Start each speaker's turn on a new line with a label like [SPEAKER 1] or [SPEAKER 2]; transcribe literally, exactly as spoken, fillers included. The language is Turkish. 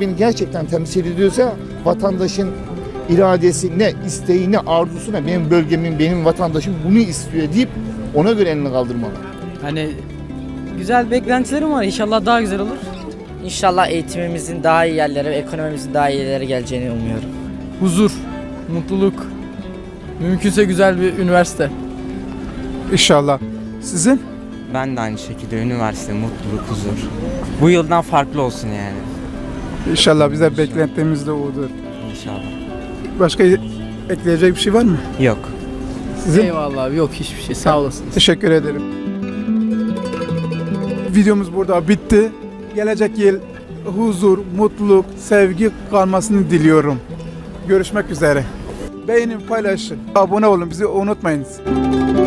[SPEAKER 1] beni gerçekten temsil ediyorsa vatandaşın iradesi ne, isteği ne, arzusu ne, benim bölgemin, benim vatandaşım bunu istiyor deyip ona göre elini kaldırmalı.
[SPEAKER 2] Hani güzel beklentilerim var. İnşallah daha güzel olur.
[SPEAKER 3] İnşallah eğitimimizin daha iyi yerlere ve ekonomimizin daha iyi yerlere geleceğini umuyorum.
[SPEAKER 2] Huzur, mutluluk, mümkünse güzel bir üniversite.
[SPEAKER 4] İnşallah. Sizin?
[SPEAKER 5] Ben de aynı şekilde üniversite, mutluluk, huzur. Bu yıldan farklı olsun yani.
[SPEAKER 4] İnşallah bize beklentimiz de odur.
[SPEAKER 5] İnşallah.
[SPEAKER 4] Başka ekleyecek bir şey var mı?
[SPEAKER 5] Yok.
[SPEAKER 4] Sizin?
[SPEAKER 2] Eyvallah abi, yok hiçbir şey, sağ olasınız.
[SPEAKER 4] Teşekkür ederim. Videomuz burada bitti. Gelecek yıl huzur, mutluluk, sevgi kalmasını diliyorum. Görüşmek üzere. Beğenin, paylaşın, abone olun, bizi unutmayınız.